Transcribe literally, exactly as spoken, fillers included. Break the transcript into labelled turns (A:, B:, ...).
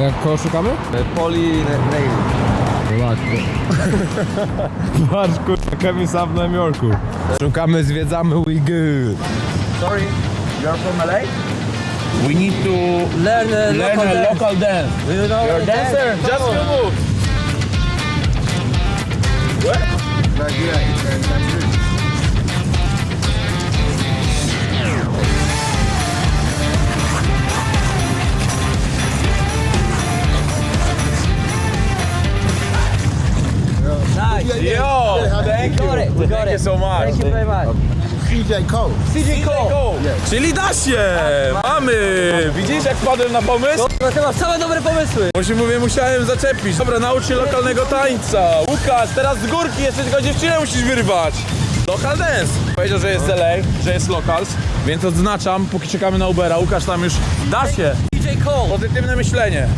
A: jak koło szukamy?
B: Poli Nail.
A: Zobacz, patrz kurwa, Kevin Sam w Nowym Jorku. Szukamy, zwiedzamy, we good.
B: Sorry, you are from L A?
C: We need to
D: Learn a
C: learn
D: local
C: a
D: dance.
C: local dance.
D: You know
C: You're a dancer?
D: dance?
C: Just
D: Come
C: few
D: on.
C: moves. What?
D: Nice.
C: Yo, thank
D: We got it.
C: you.
D: We got
C: Thank
D: it.
C: you so much.
D: Thank you very much.
E: C J Cole.
D: C J Cole.
C: Czyli da się! Mamy! Widzisz jak wpadłem na pomysł?
D: No ty masz same dobre pomysły.
C: Bo się mówię, musiałem zaczepić. Dobra, naucz się lokalnego tańca. Łukasz, teraz z górki jeszcze tylko dziewczynę musisz wyrwać. Local dance. Powiedział, że jest L A, że jest locals, więc odznaczam, póki czekamy na Ubera. Łukasz tam już da się.
D: C J Cole.
C: Pozytywne myślenie.